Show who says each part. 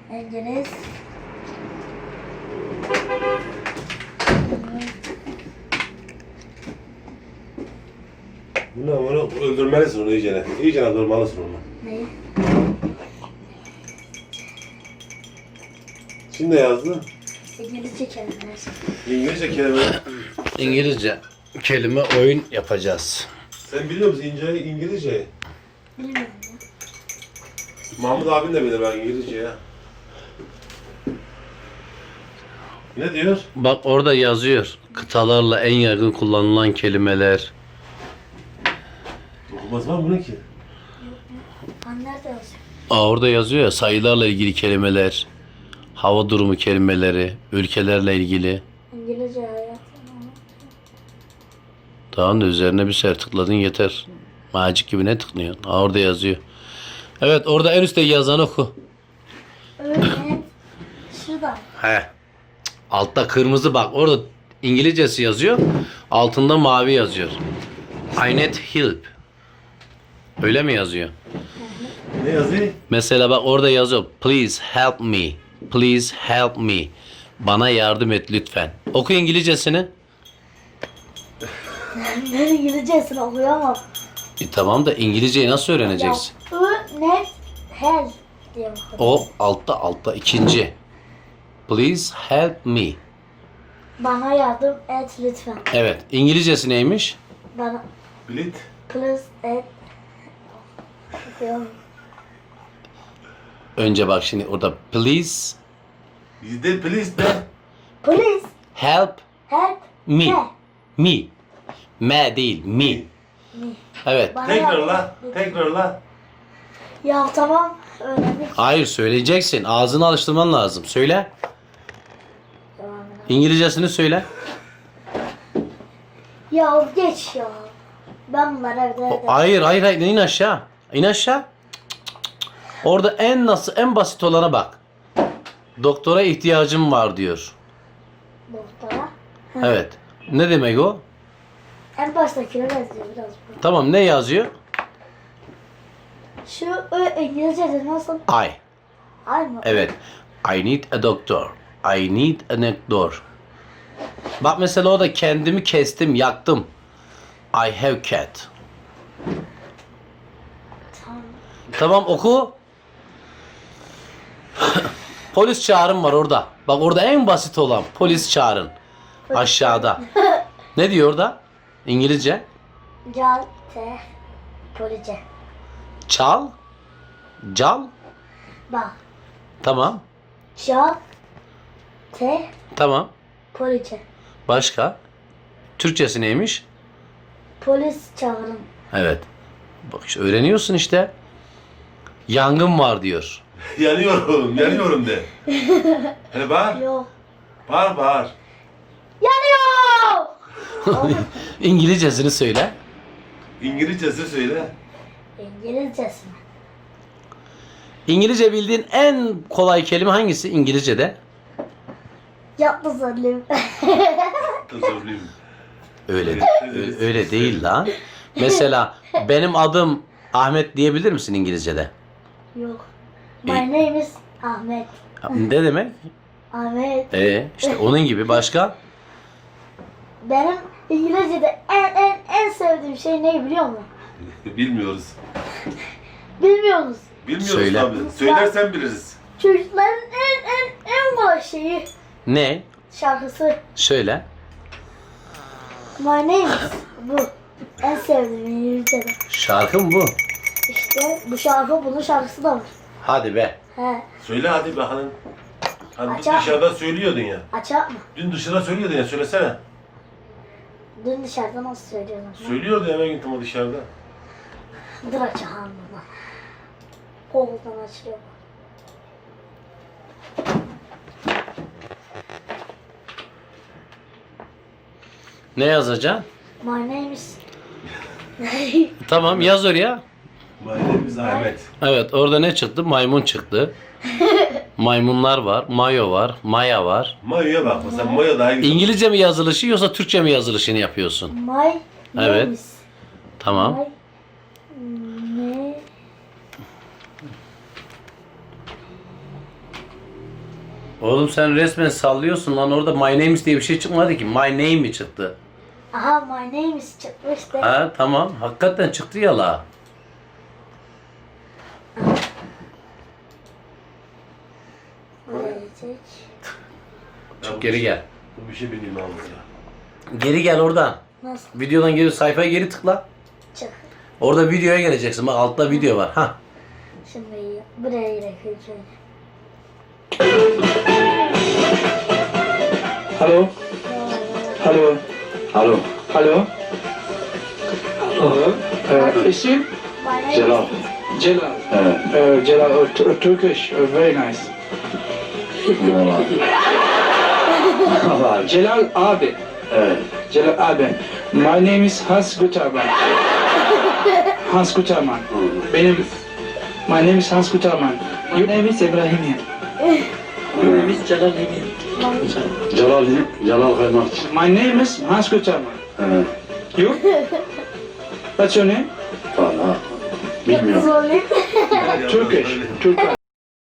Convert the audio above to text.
Speaker 1: İngiliz.
Speaker 2: Onu öldürmelisin onu iyicene. İyicene öldürmelisin onu.
Speaker 1: Neyi?
Speaker 2: Şimdi ne yazdı?
Speaker 1: İngilizce kelimeler.
Speaker 2: İngilizce kelime.
Speaker 3: İngilizce kelime oyun yapacağız.
Speaker 2: Sen biliyor musun İngilizce?
Speaker 1: Bilmiyorum ya.
Speaker 2: Mahmut abin de bilir ben İngilizce ya. Ne diyor?
Speaker 3: Bak orada yazıyor. Kıtalarla en yaygın kullanılan kelimeler.
Speaker 2: Okumaz var mı bu ne ki?
Speaker 1: Nerede yazıyor?
Speaker 3: Orada yazıyor ya, sayılarla ilgili kelimeler, hava durumu kelimeleri, ülkelerle ilgili.
Speaker 1: İngilizce hayat.
Speaker 3: Tamam da üzerine bir sefer tıkladın yeter. Macik gibi ne tıklıyorsun? Orada yazıyor. Evet, orada en üstte yazan oku.
Speaker 1: Evet. Şurada.
Speaker 3: He. Altta kırmızı bak. Orada İngilizcesi yazıyor. Altında mavi yazıyor. I need help. Öyle mi yazıyor?
Speaker 2: Ne yazıyor?
Speaker 3: Mesela bak orada yazıyor. Please help me. Please help me. Bana yardım et lütfen. Oku İngilizcesini.
Speaker 1: Ben İngilizcesini okuyamam.
Speaker 3: Tamam da İngilizceyi nasıl öğreneceksin?
Speaker 1: Ya, net hell diye bakıyorum.
Speaker 3: O altta ikinci. Please help me.
Speaker 1: Bana yardım et lütfen.
Speaker 3: Evet. İngilizcesi neymiş?
Speaker 1: Bana
Speaker 2: Bilit.
Speaker 1: please et. Okuyorum.
Speaker 3: Önce bak şimdi orada please
Speaker 2: Bizde please de.
Speaker 1: Please
Speaker 3: help
Speaker 1: help
Speaker 3: me. Me. Me değil, me. Evet.
Speaker 1: Bana
Speaker 2: Tekrarla.
Speaker 1: yardım et.
Speaker 2: Tekrarla.
Speaker 1: Ya tamam öğrendik.
Speaker 3: Hayır söyleyeceksin. Ağzını alıştırman lazım. Söyle. İngilizcesini söyle.
Speaker 1: Ya geç ya. Ben bunları evde
Speaker 3: Hayır. İn aşağı. İn aşağı. Orada en basit olana bak. Doktora ihtiyacım var diyor.
Speaker 1: doktora.
Speaker 3: Evet. Ne demek o?
Speaker 1: En baştakine benziyor biraz bu.
Speaker 3: Tamam ne yazıyor?
Speaker 1: Şu İngilizce'de nasıl?
Speaker 3: I.
Speaker 1: Aynı.
Speaker 3: Evet. I need a doctor. I need a doctor. Bak mesela o da kendimi kestim, yaktım. I have cat.
Speaker 1: Tamam.
Speaker 3: Tamam oku. Polis çağırın var orada. Bak orada en basit olan polis çağırın. Aşağıda. Ne diyor orada? İngilizce.
Speaker 1: Cal te police.
Speaker 3: Çal. Cal.
Speaker 1: Bak.
Speaker 3: Tamam.
Speaker 1: Cal te
Speaker 3: Tamam.
Speaker 1: police.
Speaker 3: Başka? Türkçesi neymiş?
Speaker 1: Polis çağırın.
Speaker 3: Evet. Bak işte öğreniyorsun işte. Yangın var diyor.
Speaker 2: Yanıyorum de. Hele bağır.
Speaker 1: Yok.
Speaker 2: Bağır.
Speaker 1: Yanıyor!
Speaker 3: İngilizcesini söyle.
Speaker 2: İngilizcesi söyle.
Speaker 1: İngilizcesi mi?
Speaker 3: İngilizce bildiğin en kolay kelime hangisi İngilizce'de?
Speaker 1: Yapma zannediyorum.
Speaker 2: Zorlayayım.
Speaker 3: Öyle değil lan. Mesela benim adım Ahmet diyebilir misin İngilizce'de?
Speaker 1: Yok. My name is Ahmet.
Speaker 3: Ne demek?
Speaker 1: Ahmet.
Speaker 3: İşte onun gibi başka?
Speaker 1: Benim İngilizce'de en sevdiğim şey ne biliyor musun?
Speaker 2: Bilmiyoruz.
Speaker 1: Bilmiyorsunuz.
Speaker 2: Bilmiyoruz
Speaker 3: Söyle.
Speaker 2: tabii. Söylersen biliriz.
Speaker 1: Çocukların en kolay şeyi
Speaker 3: Ne?
Speaker 1: şarkısı.
Speaker 3: Söyle.
Speaker 1: My name is bu. En sevdiğim İngilizce'de.
Speaker 3: Şarkı mı bu?
Speaker 1: İşte bu şarkı bunun şarkısı da var.
Speaker 3: Hadi be.
Speaker 1: He.
Speaker 2: Söyle hadi bakalım. Hani
Speaker 1: Açar.
Speaker 2: dışarıda söylüyordun ya.
Speaker 1: Açak mı?
Speaker 2: Dün dışarıda söylüyordun ya söylesene.
Speaker 1: Dün dışarıda nasıl söylüyorlar?
Speaker 2: Söylüyordu ya ben gittim o dışarıda.
Speaker 1: Dur açalım bunu. Koldan açılıyor.
Speaker 3: Ne yazacaksın?
Speaker 1: My name is...
Speaker 3: Tamam yaz oraya.
Speaker 2: Mahallemiz Ahmet.
Speaker 3: Evet orada ne çıktı? Maymun çıktı. Maymunlar var. Mayo var. Maya var.
Speaker 2: Mayo'ya bak mesela Mayo daha güzel.
Speaker 3: İngilizce mi yazılışı yoksa Türkçe mi yazılışını yapıyorsun?
Speaker 1: My name
Speaker 3: Evet.
Speaker 1: is...
Speaker 3: Tamam.
Speaker 1: My... Ne...
Speaker 3: Oğlum sen resmen sallıyorsun lan, orada my name is diye bir şey çıkmadı ki. My name mi çıktı?
Speaker 1: Aha my name is çıkmıştı.
Speaker 3: Ha tamam, hakikaten çıktı ya la.
Speaker 1: Verecek.
Speaker 3: Çık geri gel.
Speaker 2: Bu bir şey bileyim abi ya.
Speaker 3: Geri gel oradan.
Speaker 1: Nasıl
Speaker 3: Videodan geri sayfaya geri tıkla.
Speaker 1: çık?
Speaker 3: Orada videoya geleceksin. Bak altta video var. Ha.
Speaker 1: Şimdi buraya girelim.
Speaker 4: Hello? Hello?
Speaker 2: Alo.
Speaker 4: Hello? Hello? İsim?
Speaker 1: My name
Speaker 2: Celal.
Speaker 1: is...
Speaker 4: Celal.
Speaker 2: Evet.
Speaker 4: Celal, Turkish, very nice. Celal abi.
Speaker 2: Evet.
Speaker 4: Celal abi. My name is Hans Guterman. Hans Guterman. Benim... My name is Hans Guterman. My name is İbrahim. My name is Celal Emin.
Speaker 2: Celal Kaymakçı.
Speaker 4: My name is Hans Guterman.
Speaker 2: Evet.
Speaker 4: You? What's your name?
Speaker 2: Valla. Bilmiyorum.
Speaker 1: Zorlayayım.
Speaker 4: Turkish. Turkish.